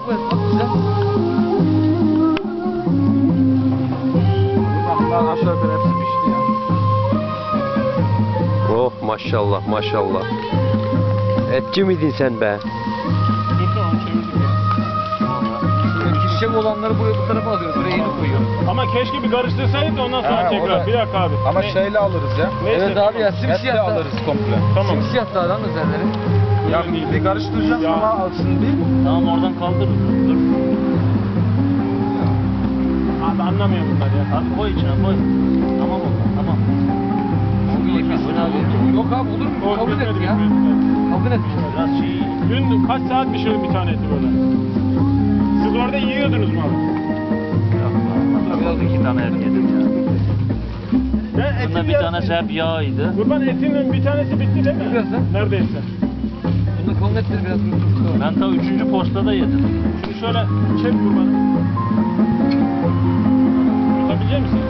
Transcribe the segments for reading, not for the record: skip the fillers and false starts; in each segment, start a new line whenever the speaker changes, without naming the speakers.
bu et. Bak güzel.
Bunlar aşağı yukarı hepsi pişti ya.
Oh maşallah maşallah. Etçi miydin sen be?
Dur onu çevirdik ya.
Pişecek olanları buraya bu tarafa alıyoruz. Buraya yeni koyuyoruz.
Ama keşke bir karıştırsaydık da ondan sonra
Ha, o
tekrar.
da-
Bir dakika abi.
Ama
Ne-
şeyle alırız ya.
Neyse,
Evet abi ya
Etle
simsiyah da.
alırız komple.
Tamam.
Simsiyah da lan üzerleri.
Ya bir karıştıracağız
Ya.
ama alsın değil mi?
Tamam oradan kaldırırız. Dur.
Abi anlamıyor bunlar ya.
Abi koy içine koy. Tamam oldu. Tamam.
Şu iyi pişsin abi. Yok abi olur mu?
O
Kabul et
bitmedi,
ya.
bitmedi.
Kabul et.
Biraz şey.
Dün kaç saat pişirdim bir tane eti böyle. Siz orada yiyordunuz mu abi?
Biraz 2 tane et yedim ya.
Ben
Bunda
etin
bir
yarısı-
tanesi hep yağydı.
Kurban etinin bir tanesi bitti değil mi?
Biraz da.
Neredeyse.
Bunda kabul ettir biraz.
Ben ta 3. postada yedim.
Şunu şöyle çek kurbanı. Tutabilecek misin?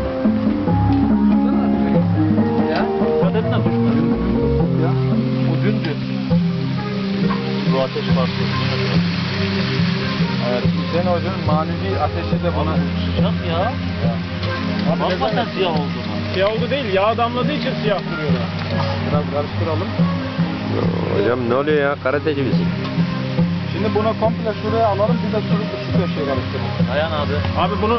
Ya.
Dikkat etme düşme.
Ya. O dündü.
Bu ateş farklı.
Evet. Hüseyin Hoca'nın manevi ateşi de buna.
Sıcak ya.
Abi
Bakma
neden-
sen siyah oldu mu?
Siyah oldu değil, yağ damladığı için siyah duruyor.
Biraz karıştıralım.
Hocam ne oluyor ya? Karateci misin?
Şimdi bunu komple şuraya alalım. Bir de şu köşeye karıştıralım.
Dayan abi.
Abi bunu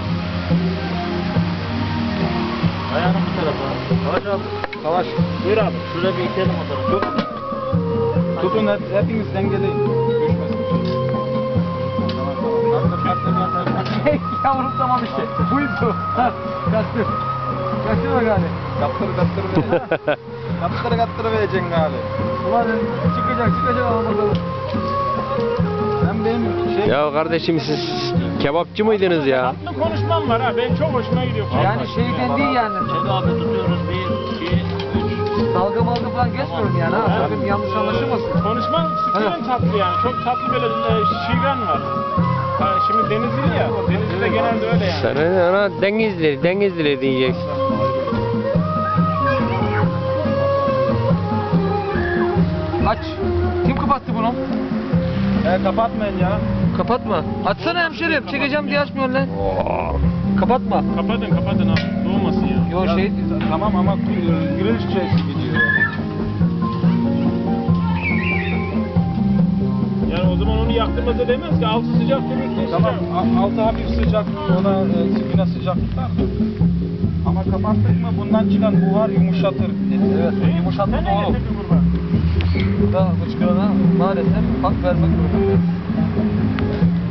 Dayanın bu tarafa. Savaş abi.
Savaş.
buyur abi.
Şuraya bir itelim o tarafa.
Tutun hepiniz dengeleyin. Düşmesin. Tamam tamam.
Yavrum tamam işte. Buydu. Ha, kastır. Kaçırma gari.
Kaptır vereceksin. Kaptır vereceksin gali.
Ulan çıkacak ama bakalım.
Sen benim şey...
Ya kardeşim siz kebapçı mıydınız ya?
Tatlı konuşmam var ha, benim çok hoşuma gidiyor.
Yani şeyden değil yani.
Çek abi tutuyoruz. 1, 2, 3.
Dalga malga falan geçmiyorum yani ha. Sakın yanlış anlaşılmasın.
Konuşman sütünün tatlı yani. Çok tatlı böyle şiven var. Ha, şimdi Denizli ya. Denizli'de genelde öyle yani.
Sen ona Denizli diyeceksin.
Aç. Kim kapattı bunu?
Kapatmayın ya.
Kapatma. Açsana hemşerim. Çekeceğim diye açmıyorsun lan. Kapatma.
Kapatın abi. Doğmasın ya.
Yo
Ya,
şey...
Tamam ama grill şeysi gidiyor.
Yani o zaman onu yaktığımızda demez ki altı sıcak durursun.
Tamam altı hafif sıcak, ona sipine sıcak tutar. Ama kapattık mı bundan çıkan buhar yumuşatır.
Evet. Yumuşatma
Sen ne
doğru.
getirdin kurban?
Burada hıçkırana maalesef hak vermek zorundayız.